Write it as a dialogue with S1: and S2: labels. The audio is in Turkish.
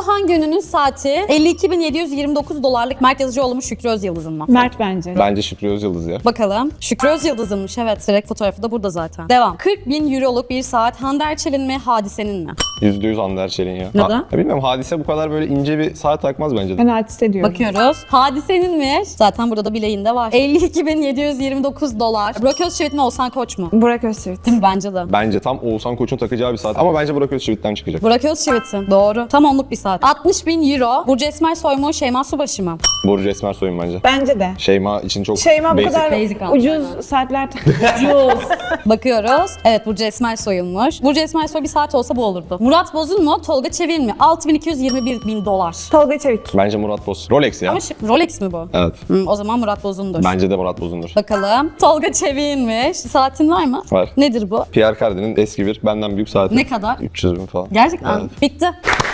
S1: Bu hangi ünlünün saati 52.729 dolarlık Mert Yazıcıoğlu mu Şükrü Özyıldız'ın mı?
S2: Mert bence.
S3: Bence Şükrü Özyıldız ya.
S1: Bakalım. Şükrü Özyıldız'ınmış, evet. Direkt fotoğrafı da burada zaten. Devam. 40.000 euroluk bir saat Hande Erçel'in mi Hadise'nin mi?
S3: %100 Hande Erçel'in ya.
S1: Neden?
S3: Ya bilmiyorum, Hadise bu kadar böyle ince bir saat takmaz bence de.
S2: Ben artist ediyorum.
S1: Bakıyoruz. Hadise'ninmiş. Zaten burada bileğinde var. 52.729 dolar. Burak Özçivit mi Oğuzhan Koç mu?
S2: Burak Özçivit.
S1: Değil mi? Bence de.
S3: Bence tam Oğuzhan Koç'un takacağı bir saat ama bence Burak Özçivit'ten çıkacak.
S1: Burak Özçivit'in. Doğru. Tam onluk bir saat. 60.000 euro. Burcu Esmersoy mu Şeyma Subaşı mı?
S3: Burcu Esmersoy'un bence.
S2: Bence de.
S3: Şeyma için çok
S2: Şeyma bu
S3: basic.
S2: kadar
S1: Basic aldı.
S2: ucuz saatler
S1: Bakıyoruz. Evet, Burcu Esmersoy'unmuş. Burcu Esmersoy bir saat olsa bu olurdu. Murat Boz'un mu Tolga Çevik'in mi? 6.221.000 dolar.
S2: Tolga Çevik.
S3: Bence Murat Boz. Rolex ya.
S1: Ama Rolex mi bu?
S3: Evet.
S1: O zaman Murat Boz'undur.
S3: Bence de Murat Boz'undur.
S1: Bakalım. Tolga Çevik'inmiş. Saatin var mı?
S3: Var.
S1: Nedir bu?
S3: Pierre Cardin'in eski bir benden büyük saati.
S1: Ne kadar?
S3: 300 bin falan.
S1: Gerçekten.
S3: Evet.
S1: Bitti.